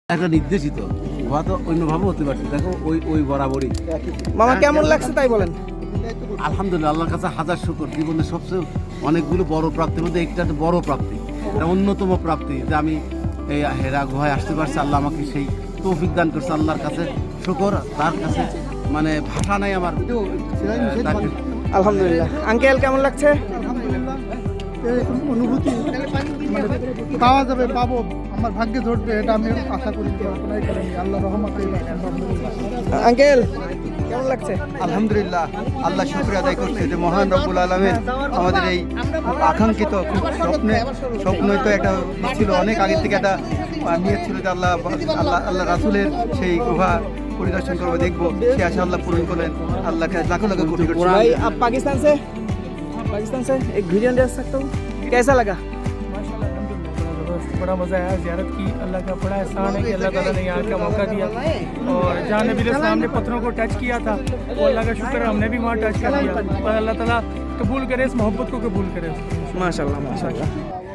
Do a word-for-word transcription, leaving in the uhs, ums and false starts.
একটা নির্দেশিত গুহা তো অন্যভাবে হতে পারছে। দেখো ওই ওই বরাবরই মামা কেমন লাগছে তাই বলেন। আলহামদুলিল্লাহ, আল্লাহর কাছে হাজার শুকর। জীবনের সবচেয়ে অনেকগুলো বড় প্রাপ্তির মধ্যে একটা বড় প্রাপ্তি, এটা অন্যতম প্রাপ্তি যে আমি এই হেরা গুহায় আসতে পারছি। আল্লাহ আমাকে সেই তৌফিক দান করছে, আল্লাহর কাছে শুকর। তার কাছে মানে ভাষা নাই আমার। তাকে আলহামদুলিল্লাহ। আঙ্কেল কেমন লাগছে? এরকম অনুভূতি মানে পাওয়া যাবে, পাবো, আমার ভাগ্যে ধরবে, এটা আমি আশা করি, কল্পনাই করিনি। আল্লাহ রহমতে আঙ্কেল কেমন লাগছে? আলহামদুলিল্লাহ, আল্লাহ শুকরিয়া আদায় করছে যে মহান রব্বুল আলামিন আমাদের এই আকাঙ্ক্ষিত খুব স্বপ্নে স্বপ্নই তো একটা ছিল, অনেক আগে থেকে একটা নিয়ে ছিল যে আল্লাহ আল্লাহ আল্লাহ রাসূলের সেই গুহা পরিদর্শন করবো, দেখবো। সে আশা আল্লাহ পূরণ করলেন। আল্লাহকে লাখো লাখো কোটি কোটি भाई आप पाकिस्तान से पाकिस्तान से एक वीडियो ले सकता हूँ, कैसा लगा? बड़ा मज़ा आया, ज़ियारत की। अल्लाह का बड़ा एहसान है कि अल्लाह ताला ने यहाँ का मौका दिया, और जहाँ नबी इस्लाम ने पत्थरों को टच किया था वो अल्लाह का शुक्र है हमने भी वहाँ टच कर दिया। और अल्लाह ताला कबूल करे, इस मोहब्बत को कबूल करे। माशाल्लाह माशाल्लाह।